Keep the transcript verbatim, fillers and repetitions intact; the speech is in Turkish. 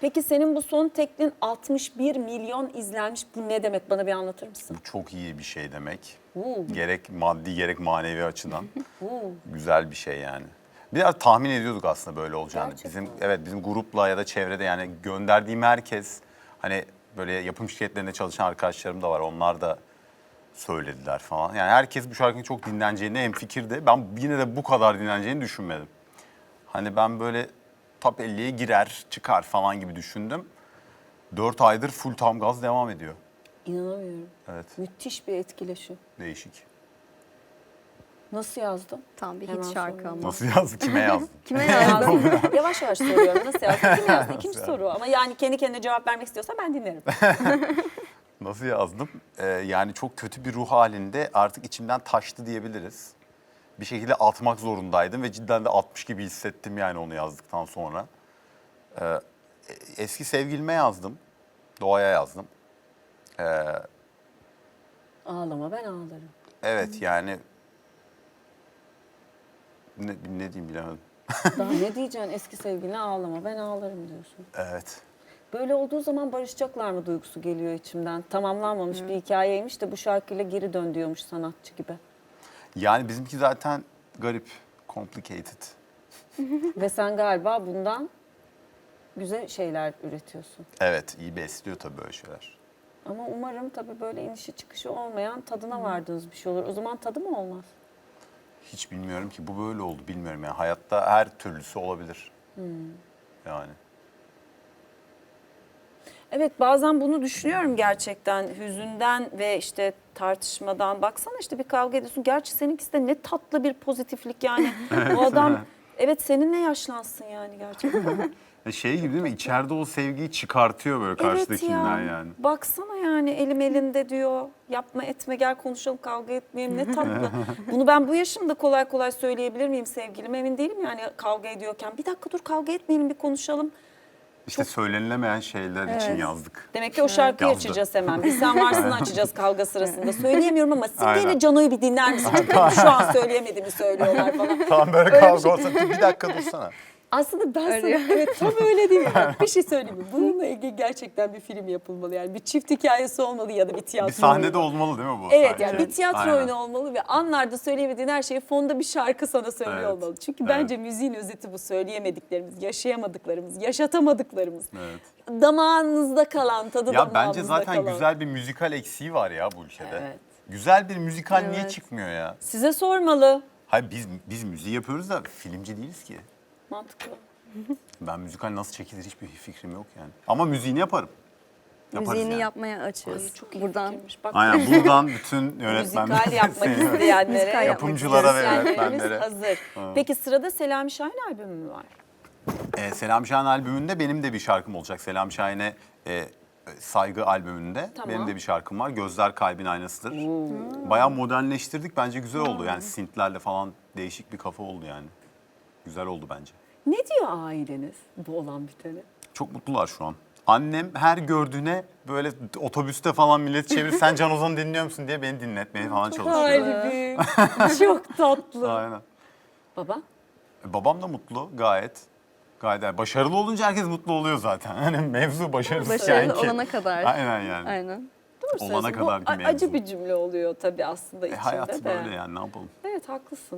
Peki senin bu son teklin altmış bir milyon izlenmiş. Bu ne demek? Bana bir anlatır mısın? Bu çok iyi bir şey demek. Uuu. Gerek maddi gerek manevi açıdan. Uuu. Güzel bir şey yani. Biraz tahmin ediyorduk aslında böyle olacağını. Gerçekten. Bizim evet bizim grupla ya da çevrede yani gönderdiğim herkes hani böyle yapım şirketlerinde çalışan arkadaşlarım da var. Onlar da söylediler falan. Yani herkes bu şarkının çok dinleneceğine hemfikirdi. Ben yine de bu kadar dinleneceğini düşünmedim. Hani ben böyle top elliye girer, çıkar falan gibi düşündüm. Dört aydır full tam gaz devam ediyor. İnanamıyorum. Evet, Müthiş bir etkileşim. değişik. Nasıl yazdın? Tam bir Hemen hit şarkı sonra. ama. Nasıl yazdı, kime yazdı? Kime yazdın? Yavaş yavaş soruyorum. Nasıl yazdın? Kim yazdı? İkinci soru. Ama yani kendi kendine cevap vermek istiyorsa ben dinlerim. Nasıl yazdım? Ee, yani çok kötü bir ruh halinde artık içimden taştı diyebiliriz. Bir şekilde atmak zorundaydım ve cidden de atmış gibi hissettim yani onu yazdıktan sonra. Ee, eski sevgilime yazdım. Doğaya yazdım. Ee, Ağlama ben ağlarım. evet yani ne, ne diyeyim bilemedim. Daha ne diyeceksin eski sevgiline ağlama ben ağlarım diyorsun. Evet. Böyle olduğu zaman barışacaklar mı duygusu geliyor içimden. Tamamlanmamış bir hikayeymiş de bu şarkıyla geri dön diyormuş sanatçı gibi. Yani bizimki zaten garip, complicated. Ve sen galiba bundan güzel şeyler üretiyorsun. Evet, iyi besliyor tabii böyle şeyler. Ama umarım tabii böyle inişi çıkışı olmayan tadına vardığınız bir şey olur. O zaman tadı mı olmaz? Hiç bilmiyorum ki bu böyle oldu bilmiyorum yani hayatta her türlüsü olabilir. Yani. Evet bazen bunu düşünüyorum gerçekten hüzünden ve işte tartışmadan. Baksana işte bir kavga ediyorsun. Gerçi seninkisi de ne tatlı bir pozitiflik yani. O adam evet seninle yaşlansın yani gerçekten. E Şey gibi değil mi? İçeride o sevgiyi çıkartıyor böyle Evet karşıdakinden ya. yani. Baksana yani elim elinde diyor. Yapma etme gel konuşalım kavga etmeyelim ne tatlı. Bunu ben bu yaşımda kolay kolay söyleyebilir miyim sevgilim? Emin değilim yani kavga ediyorken. Bir dakika dur kavga etmeyelim bir konuşalım. İşte söylenilemeyen şeyler için yazdık. Demek ki o şarkıyı Yazdı. açacağız hemen. Bir sen varsın açacağız kavga sırasında. Söyleyemiyorum ama Simge ile Aynen. Cano'yu bir dinler misin? Çünkü şu an söyleyemediğimi söylüyorlar falan. Tamam böyle Öyle bir kavga şey. olsa bir dakika dursana. Aslında ben sana Öyle. evet tam öyle değil mi? Bak, bir şey söyleyeyim mi? Bununla ilgili gerçekten bir film yapılmalı yani. Bir çift hikayesi olmalı ya da bir tiyatro Bir sahnede oyunu. olmalı değil mi bu? Evet sahne? yani bir tiyatro Aynen. oyunu olmalı ve anlarda söyleyemediğin her şeyi fonda bir şarkı sana söylüyor Evet. olmalı. Çünkü Evet. bence müziğin özeti bu söyleyemediklerimiz, yaşayamadıklarımız, yaşatamadıklarımız. Evet. Damağınızda kalan, tadı Ya damağımızda bence zaten kalan. güzel bir müzikal eksiği var ya bu ülkede. Evet. Güzel bir müzikal niye Evet. çıkmıyor ya? Size sormalı. Hayır biz biz müziği yapıyoruz da filmci değiliz ki. Mantıklı. Ben müzikal nasıl çekilir hiçbir fikrim yok yani. Ama müziğini yaparım. Yaparız Müziğini yani. yapmaya açığız. Ay, çok iyi Buradan fikirmiş. Bak, Aynen buradan bütün yönetmenler, müzikal yapmak seni- isteyenlere, Müzikal yapmak yapımcılara ve müzisyenlerimiz yönetmenlere. hazır. Peki sırada Selami Şahin albümü mü var? Ee, Selam Şahin albümünde benim de bir şarkım olacak. Selam Şahin'e e, Saygı albümünde Tamam. benim de bir şarkım var. Gözler kalbin aynasıdır. Bayağı modernleştirdik. Bence güzel oldu. Yani synthlerle falan değişik bir kafa oldu yani. Güzel oldu bence. Ne diyor aileniz bu olan bitene? Çok mutlular şu an. Annem her gördüğüne böyle otobüste falan millet çevirir. Sen Can Ozan'ı dinliyor musun diye beni dinletmeye falan çalışıyor. Kalbim. Çok tatlı. Aynen. Baba? E, Babam da mutlu gayet. Gayet yani başarılı olunca herkes mutlu oluyor zaten. Hani mevzu başarısız Başarılı yani ki. olana kadar. Aynen yani. Aynen. Doğru Olana söylüyorsun. kadar Bu ki a- mevzu. acı bir cümle oluyor tabii aslında E, içinde hayat de. böyle yani ne yapalım. Evet haklısın.